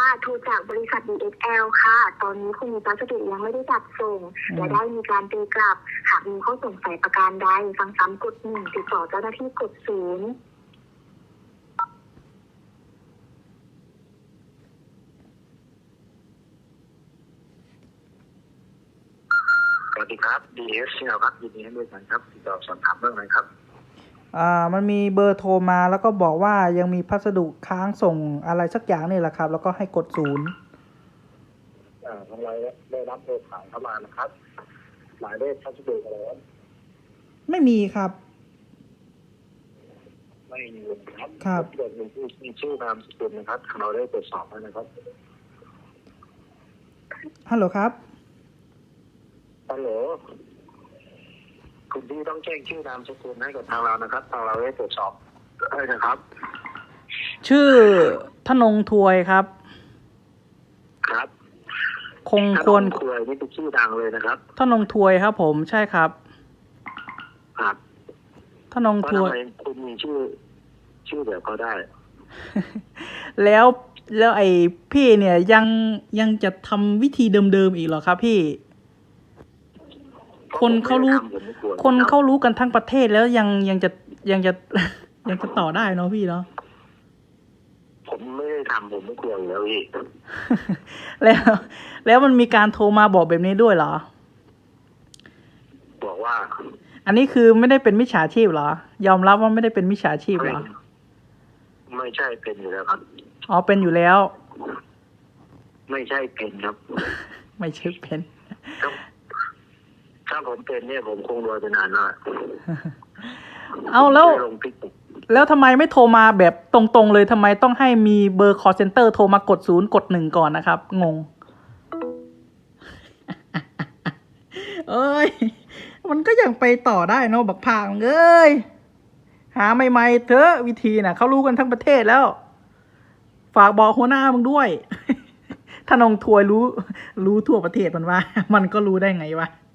โทรจากบริษัท DSL ค่ะ ตอนนี้คุณมีพัสดุยังไม่ได้จัดส่งและได้มีการตีกลับ หากมีข้อสงสัยประการใดฟังซ้ำกด 1 ติดต่อเจ้าหน้าที่กด 0 สวัสดีครับ DS ครับยินดีให้บริการครับติดต่อสอบถามเรื่องอะไรครับมันมีเบอร์โทรมาแล้วก็บอกว่ายังมีพัสดุค้างส่งอะไรสักอย่างนี่แหละครับ แล้วก็ให้กด 0 ทางเราได้รับโทรสายเข้ามานะครับหมายเลขพัสดุอะไรครับไม่มีครับไม่มีครับครับเกิดมีชื่อนามสกุลนะครับทางเราได้ตรวจสอบแล้วนะครับฮัลโหลครับฮัลโหลคุณพี่ต้องแจ้งชื่อนามสกุลให้กับทางเรานะครับทางเราได้ตรวจสอบให้นะครับชื่อธนงทวยครับครับคงควรถ้าน้องคุยนี่เป็นชื่อดังเลยนะครับธนงทวยครับผมใช่ครับครับธนงเพราะทวทำยไมคุณมีชื่อแบบเขาได้แล้วไอ้พี่เนี่ยยังจะทำวิธีเดิมๆอีกเหรอครับพี่ คนเขารู้ผมไม่กลัวคนเขารู้กันทั้งประเทศแล้วยังจะ ยังจะต่อได้เนาะพี่เนาะผมไม่ได้ทำผมไม่กลัวอยู่แล้วพี่แล้วมันมีการโทรมาบอกแบบนี้ด้วยเหรอบอกว่าอันนี้คือไม่ได้เป็นมิจฉาชีพเหรอ ยอมรับว่าไม่ได้เป็นมิจฉาชีพเหรอไม่ใช่เป็นอยู่แล้วครับอ๋อเป็นอยู่แล้วไม่ใช่เป็นครับไม่ใช่เป็นถ้าผมเป็นเนี่ยผมคงรวยไปนานแล้วเอาแล้วไม่ลงติ๊กต็อกแล้วทำไมไม่โทรมาแบบตรงๆเลยทำไมต้องให้มีเบอร์ call center โทรมากด 0 กด 1 ก่อนนะครับ งง เอ้ย มันก็ยังไปต่อได้เนาะบักพางเอ้ย หาใหม่ๆเถอะวิธีน่ะเขารู้กันทั้งประเทศแล้ว ฝากบอกหัวหน้ามึงด้วย ถ้านงทวยรู้ทั่วประเทศมันว่า มันก็รู้ได้ไงวะ